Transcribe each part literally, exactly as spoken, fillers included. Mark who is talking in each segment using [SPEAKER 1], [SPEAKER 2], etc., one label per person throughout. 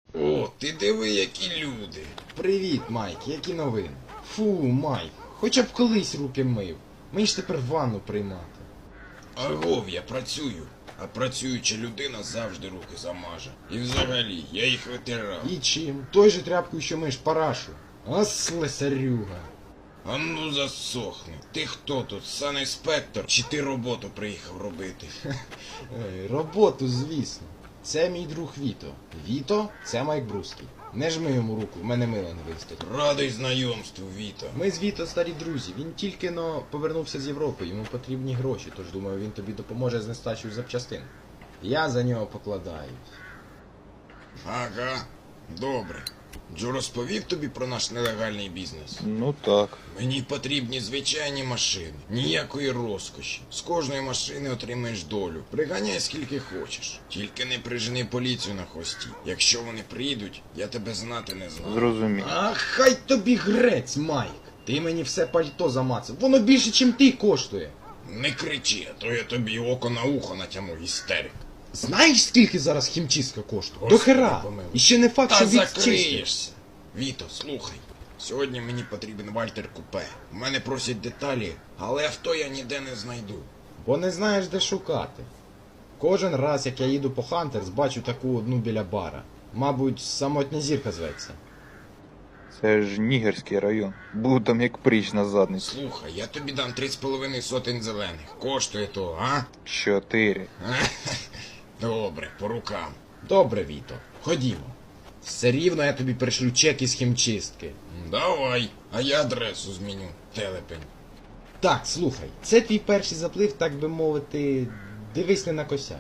[SPEAKER 1] О, ти диви, які люди.
[SPEAKER 2] Привіт, Майк, які новини? Фу, Майк, хоча б колись руки мив. Мені ж тепер ванну приймати.
[SPEAKER 1] Агов, я працюю. А працююча людина завжди руки замаже. І взагалі, я їх витирав.
[SPEAKER 2] І чим? Той же тряпкою, що миш парашу. А слесарюга.
[SPEAKER 1] А ну засохни. Ти хто тут, санінспектор? Чи ти роботу приїхав робити?
[SPEAKER 2] Ей, роботу, звісно. Це мій друг Віто. Віто – це Майк Бруський. Не жми йому руку, в мене мила не вистачить.
[SPEAKER 1] Радий знайомству, Віто.
[SPEAKER 2] Ми з Віто старі друзі. Він тільки но повернувся з Європи, йому потрібні гроші, тож думаю, він тобі допоможе з нестачею запчастин. Я за нього покладаюсь.
[SPEAKER 1] Ага, добре. Джо розповів тобі про наш нелегальний бізнес?
[SPEAKER 3] Ну так.
[SPEAKER 1] Мені потрібні звичайні машини, ніякої розкоші. З кожної машини отримаєш долю. Приганяй скільки хочеш. Тільки не прижени поліцію на хвості. Якщо вони прийдуть, я тебе знати не знаю.
[SPEAKER 3] Зрозумів.
[SPEAKER 2] А хай тобі грець, Майк. Ти мені все пальто замацав. Воно більше, чим ти коштує.
[SPEAKER 1] Не кричи, а то я тобі око на ухо натягну, істерик.
[SPEAKER 2] Знаєш, скільки зараз хімчистка коштує? До
[SPEAKER 1] Господи,
[SPEAKER 2] хера.
[SPEAKER 1] помилуй.
[SPEAKER 2] І ще не факт,
[SPEAKER 1] Та
[SPEAKER 2] що відчистить.
[SPEAKER 1] закриєшся. Віто, слухай. Сьогодні мені потрібен Вальтер Купе. У мене просять деталі, але авто я ніде не знайду.
[SPEAKER 2] Бо не знаєш, де шукати. Кожен раз, як я їду по Хантерс, бачу таку одну біля бара. Мабуть, самотня зірка зветься.
[SPEAKER 3] Це ж Нігерський район. Буду там як пріч на задниці.
[SPEAKER 1] Слухай, я тобі дам три з половиною сотень зелених. Коштує то, а?
[SPEAKER 3] Чотири.
[SPEAKER 1] Добре, по рукам.
[SPEAKER 2] Добре, Віто, ходімо. Все рівно я тобі пришлю чек із хімчистки.
[SPEAKER 1] Давай, а я адресу зміню, телепень.
[SPEAKER 2] Так, слухай, це твій перший заплив, так би мовити, дивись не накосяч.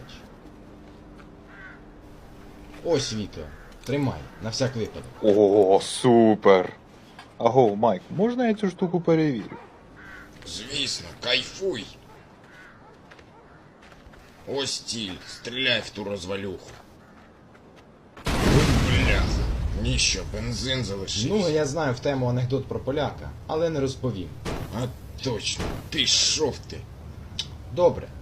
[SPEAKER 2] Ось, Віто, тримай, на всяк випадок.
[SPEAKER 3] О, супер. Аго, Майк, можна я цю штуку перевірю?
[SPEAKER 1] Звісно, кайфуй. Ось ціль, стріляй в ту розвалюху. Бляха, ніщо, бензин залишився.
[SPEAKER 2] Ну, я знаю в тему анекдот про поляка, але не розповім.
[SPEAKER 1] А точно, пішов ти.
[SPEAKER 2] Добре,